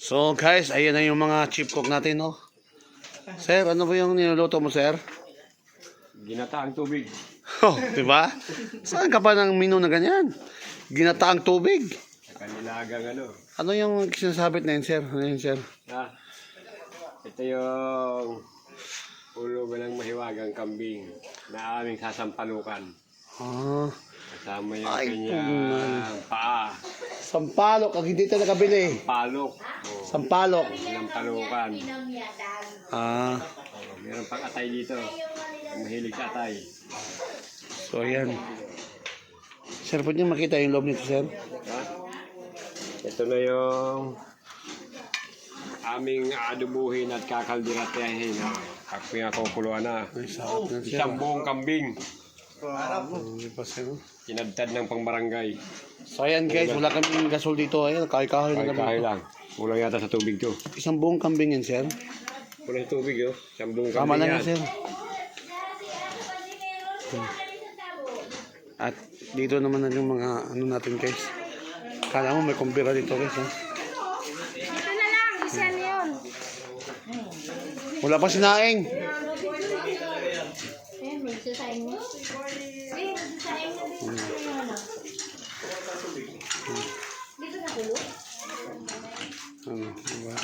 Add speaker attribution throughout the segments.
Speaker 1: So guys, ayan na yung mga chip cook natin, no? Sir, ano ba yung niluluto mo, sir?
Speaker 2: Ginataang tubig.
Speaker 1: Oh, di ba? Saan ka pa ng menu na ganyan? Ginataang tubig.
Speaker 2: Sa kanilagang ano.
Speaker 1: Ano yung sinasabit na yun, sir? Ano yun, sir?
Speaker 2: Ito yung ulo ng mahiwagang kambing na aming sasampalukan.
Speaker 1: Ah,
Speaker 2: Kasama yung
Speaker 1: Ay,
Speaker 2: kanyang paa.
Speaker 1: sampalok. Ang hindi ito nakabili.
Speaker 2: Palok.
Speaker 1: Sampalok.
Speaker 2: Sinampalukan.
Speaker 1: Ah,
Speaker 2: Meron pang atay dito. Ang mahilig sa atay.
Speaker 1: so ayan. Sir, pwede niyo makita yung loob nito, sir?
Speaker 2: Ha? Ito na yung aming adubuhin at kakaldiratehin. Kakupuluan na.
Speaker 1: Ay, sarap na, sir.
Speaker 2: Isang buong kambing.
Speaker 1: Hindi pa, sir.
Speaker 2: Kinadtad ng pangbarangay.
Speaker 1: So ayan guys, wala kaming gasol dito. Ayan, kahoy-kahoy na
Speaker 2: Kahoy
Speaker 1: kami.
Speaker 2: lang. Kulang yata sa tubig to.
Speaker 1: Isang buong kambing yan, sir.
Speaker 2: Kulang sa tubig oh. Isang buong
Speaker 1: Tama
Speaker 2: kambing
Speaker 1: lang
Speaker 2: yan.
Speaker 1: yan, sir. At dito naman na yung mga ano natin, guys. Kala mo may kumpira dito, guys. Ha?
Speaker 3: Ito na lang, isa na yun.
Speaker 1: Wala pa sinaing.
Speaker 3: Ayan, may sasayin mo. May sasayin na din. Ano? Dito na gulo?
Speaker 1: Ano, diba?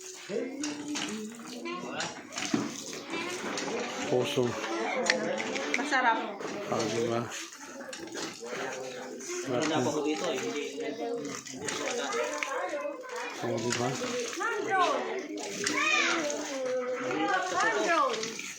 Speaker 1: Puso.
Speaker 3: Masarap.
Speaker 1: Ah, diba? Oh, diba?
Speaker 3: Mandron! Mandron!